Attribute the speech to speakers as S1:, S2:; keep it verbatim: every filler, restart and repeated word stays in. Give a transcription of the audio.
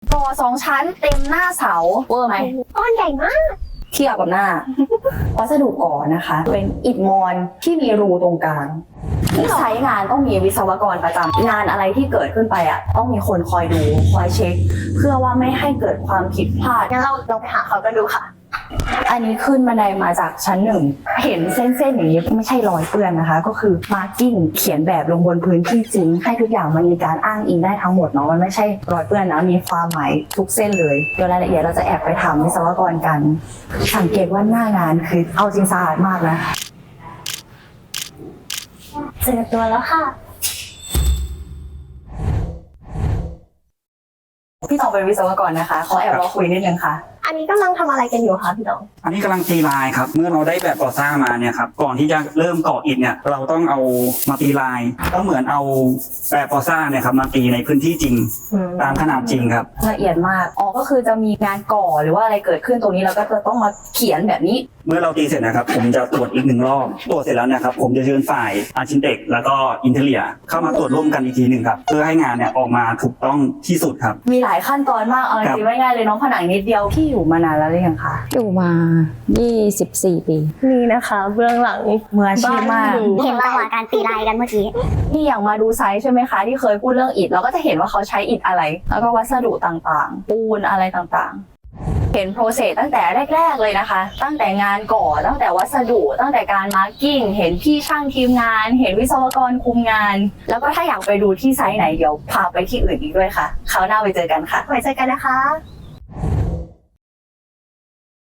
S1: ก่อสองชั้นเต็มหน้าเสาเวอร์ไหม
S2: ก้อนใหญ่มาก
S1: เทียบกับหน้า วัสดุก่อนะคะ เป็นอิฐมอนที่มีรูตรงกลางที่ใช้งานต้องมีวิศวกรประจำงานอะไรที่เกิดขึ้นไปอ่ะต้องมีคนคอยดูคอยเช็ค เพื่อว่าไม่ให้เกิดความผิดพลาด
S2: งั้นเราลองไปหาเขากันดูค่ะ
S1: อันนี้ขึ้นบันไดมาจากชั้นหนึ่งเห็นเส้นๆอย่างนี้ไม่ใช่รอยเปื้อนนะคะก็คือมาร์กิ้งเขียนแบบลงบนพื้นที่จริงให้ทุกอย่างมันมีการอ้างอิงได้ทั้งหมดเนาะมันไม่ใช่รอยเปื้อนนะมีความหมายทุกเส้นเลยเดี๋ยวรายละเอียดเราจะแอบไปถามวิศวกรกันสังเกตว่าหน้างานคือเอาจริงสะอาดมากนะ
S2: เจอตัวแล้วค่ะ
S1: พี่ตองเป็นวิศวกรนะคะขอแอบรอคุยนิดนึงค่ะ
S2: อันนี้กำลังทำอะไรกันอยู่คะพี่ตอง
S3: อันนี้กำลังตีลายครับเมื่อเราได้แบบก่อสร้างมาเนี่ยครับก่อนที่จะเริ่มก่ออิฐเนี่ยเราต้องเอามาตีลายก็เหมือนเอาแบบก่อสร้างเนี่ยครับมาตีในพื้นที่จริงตามขนาดจริงครับ
S1: ละเอียดมากอ๋อก็คือจะมีงานก่อหรือว่าอะไรเกิดขึ้นตรงนี้เราก็จะต้องมาเขียนแบบนี้
S3: เมื่อเราตีเสร็จนะครับผมจะตรวจอีกหนึ่งรอบตรวจเสร็จแล้วนะครับผมจะเชิญฝ่ายอาร์คิเทคแล้วก็อินเทเรียเข้ามาตรวจร่วมกันอีกทีหนึ่งครับเพื่อให้งานเนี่ยออกมาถูกต้องที่สุดครับ
S1: มีหลายขั้นตอนมากเอาจริงๆไม่ง่ายเลยน้องผนังนิดเดียวพี่อยู่มานานแล้วหรือยังคะ
S4: อยู่มายี่สิบสี่ปี
S2: นี่นะคะเบื้องหลัง
S1: มืออาชีพมาก
S5: เห็นระหว่างการตีลายกันเมื่อกี้
S1: นี่อย่างมาดูไซส์ใช่ไหมคะที่เคยพูดเรื่องอิฐเราก็จะเห็นว่าเขาใช้อิฐอะไรแล้วก็วัสดุต่างๆปูนอะไรต่างๆเห็นโปรเซสตั้งแต่แรกๆเลยนะคะตั้งแต่งานก่อตั้งแต่วัสดุตั้งแต่การมาร์กิ้งเห็นพี่ช่างทีมงานเห็นวิศวกรคุมงานแล้วก็ถ้าอยากไปดูที่ไซต์ไหนเดี๋ยวพาไปที่อื่นอีกด้วยค่ะคราวหน้าไปเจอกันค่ะ
S2: ไว้เจอกันนะคะ